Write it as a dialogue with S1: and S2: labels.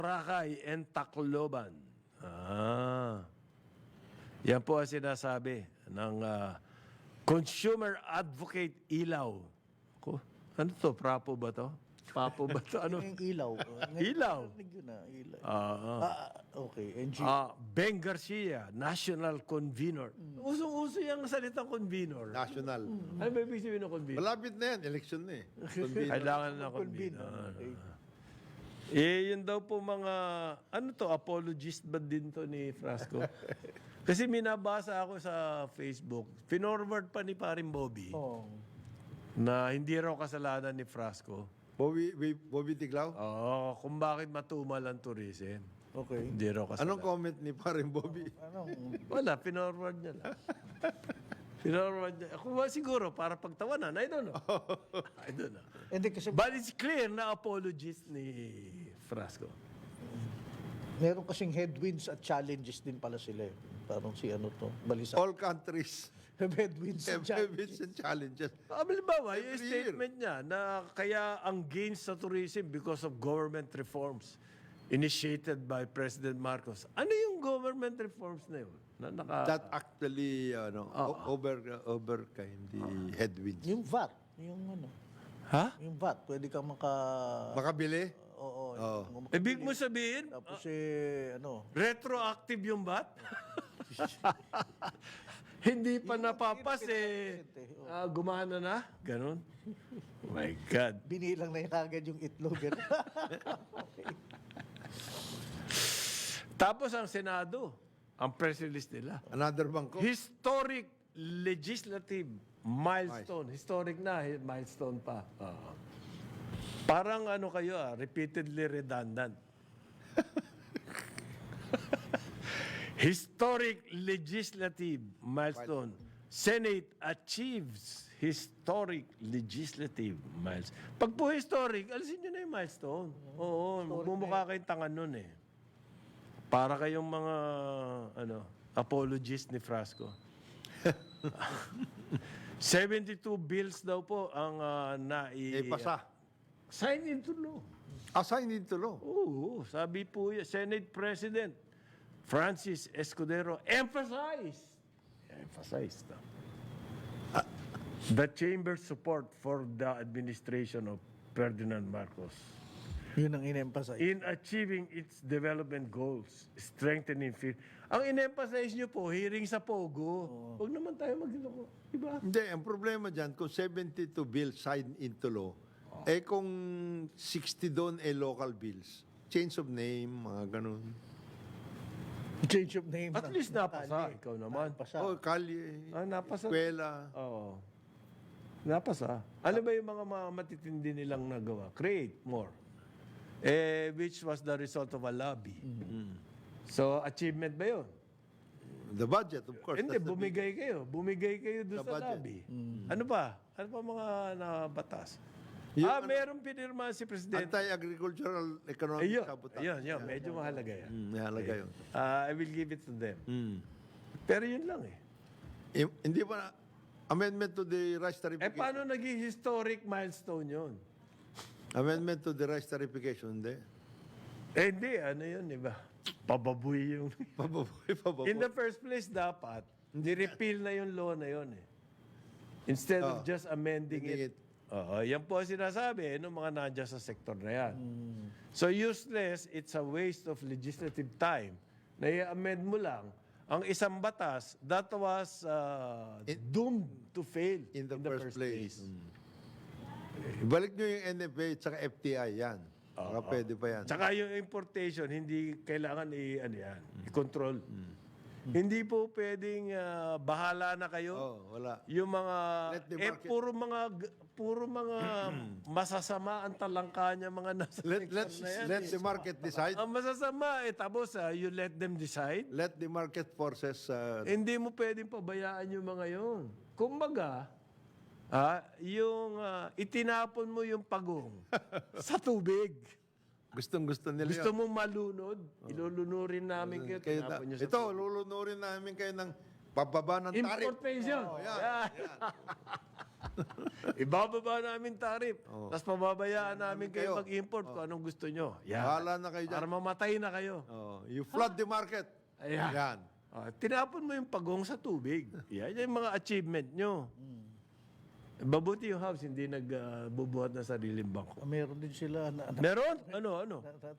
S1: Boracay and Tacloban. Yan po ang sinasabi ng Consumer Advocate Ilaw. Ano to? Prapo ba to? Papo ba to? Ano?
S2: Yung ilaw.
S1: Ilaw.
S2: Yun na, ilaw. Okay.
S1: Ben Garcia, National Convener. Usong-uso yung salitang convener.
S3: National.
S1: Ano ba ibig sabihin ng convener?
S3: Malapit na yan, election na eh.
S1: Kailangan na convener. Yun daw po mga, ano to, apologist ba din to ni Frasco? Kasi minabasa ako sa Facebook, pinorward pa ni Paring Bobby, na hindi raw kasalanan ni Frasco.
S3: Bobby Tiglao?
S1: Oo, kung bakit matumal ang tourism.
S2: Okay.
S1: Hindi raw kasalanan.
S3: Anong comment ni paring Bobby?
S1: Wala, pinorward niya lang. Pinorward niya. Ako ba siguro, para pagtawanan, I don't know. I don't know.
S2: Hindi kasi
S1: But it's clear na apologist ni Frasco.
S2: meron kasing headwinds at challenges din pala sila eh. Parang si ano to, balisa.
S3: All countries
S2: Headwinds and
S3: have
S2: challenges.
S3: and challenges.
S1: Halimbawa, yung
S3: Every year.
S1: statement niya na kaya ang gains sa tourism because of government reforms initiated by President Marcos. Ano yung government reforms na yun?
S3: That actually overcame the headwinds.
S2: Yung VAT, yung ano,
S1: Ha?
S2: yung VAT, pwede kang
S3: Makabili?
S2: Oo.
S1: Ibig mo sabihin,
S2: Tapos ano,
S1: retroactive yung bat? Hindi pa napapas gumana na? Ganon? Oh my God.
S2: binilang na yung kagad yung itlog.
S1: Tapos ang Senado, ang press release nila.
S3: Another bangko?
S1: Historic legislative milestone. Historic na, milestone pa. Parang ano kayo repeatedly redundant. Historic legislative milestone. Senate achieves historic legislative milestone. Pag po historic, alisin nyo na yung milestone. Oo, magmumukha kayong tanga nun eh. Para kayong mga apologist ni Frasco. 72 bills daw po ang
S3: Pasa.
S1: sign into law.
S3: Assign into law.
S1: Oo, sabi po yan, Senate President Francis Escudero emphasized the chamber's support for the administration of Ferdinand Marcos
S2: Yun ang in-emphasize.
S1: in achieving its development goals, strengthening Ang in-emphasize nyo po, hearing sa Pogo. Huwag naman tayo magloko. Diba?
S3: Hindi, ang problema dyan, kung 72 bills signed into law, kung 60 doon local bills, change of name, mga ganun.
S2: Change of name.
S1: At least napasa. Ikaw naman.
S2: Napasa.
S3: Kalye,
S1: Napasa.
S3: eskwela.
S1: Oo. Napasa. Ano ba yung mga matitindi nilang nagawa? Create more. Which was the result of a lobby. So, achievement ba yun?
S3: The budget, of course.
S1: Hindi,
S3: that's the
S1: bumigay kayo. Bumigay kayo doon
S3: The
S1: sa
S3: budget.
S1: lobby. Ano pa? Ano pa mga nabatas?
S3: Yung
S1: Meron pinirma si Presidente.
S3: Anti-agricultural economic
S1: Ayun,
S3: sabotage.
S1: ayun, medyo mahalaga yan.
S3: Mahalaga yun.
S1: I will give it to them. Pero yun lang eh.
S3: Hindi pa amendment to the rice tarification.
S1: Paano naging historic milestone yun?
S3: Amendment to the rice tarification, hindi.
S1: Hindi, ano yun, iba? Pababoy yung...
S3: Pababoy.
S1: In the first place, dapat, ni-repeal na yung law na yun eh. Instead of just amending it. Yan po ang sinasabi ng mga nandiyan sa sektor na yan. So useless, it's a waste of legislative time na i-amend mo lang ang isang batas that was doomed to fail
S3: In the first place. Balik nyo yung NFA at saka FTI, yan. Baka pwede pa yan.
S1: Tsaka yung importation, hindi kailangan i-control. Hindi po pwedeng bahala na kayo.
S3: Wala.
S1: Yung mga
S3: Let the market-
S1: puro mga masasama ang talangka niya mga nasa sector na yan.
S3: Let the market decide.
S1: Ang masasama tapos you let them decide.
S3: Let the market forces
S1: Hindi mo pwedeng pabayaan yung mga yun. Kumbaga, yung itinapon mo yung pagong sa tubig.
S3: gustong-gusto nila
S1: Gusto mong malunod, ilulunurin namin kayo, tinapon nyo sa
S3: Ito, lulunurin namin kayo ng pababa ng tarif.
S1: importation.
S3: Yan.
S1: Ibababa namin tarif. Tapos pababayaan namin kayo
S3: kayo.
S1: mag-import kung anong gusto nyo. Yan.
S3: Bahala na kayo dyan.
S1: Para mamatay na kayo.
S3: Oh, you flood the market.
S1: Ayan.
S3: Yan.
S1: Tinapon mo yung pagong sa tubig. Yan yung mga achievement nyo. Mabuti yung house, hindi nagbubuhat ng sariling bangko.
S2: Meron din sila.
S1: Meron? Ano?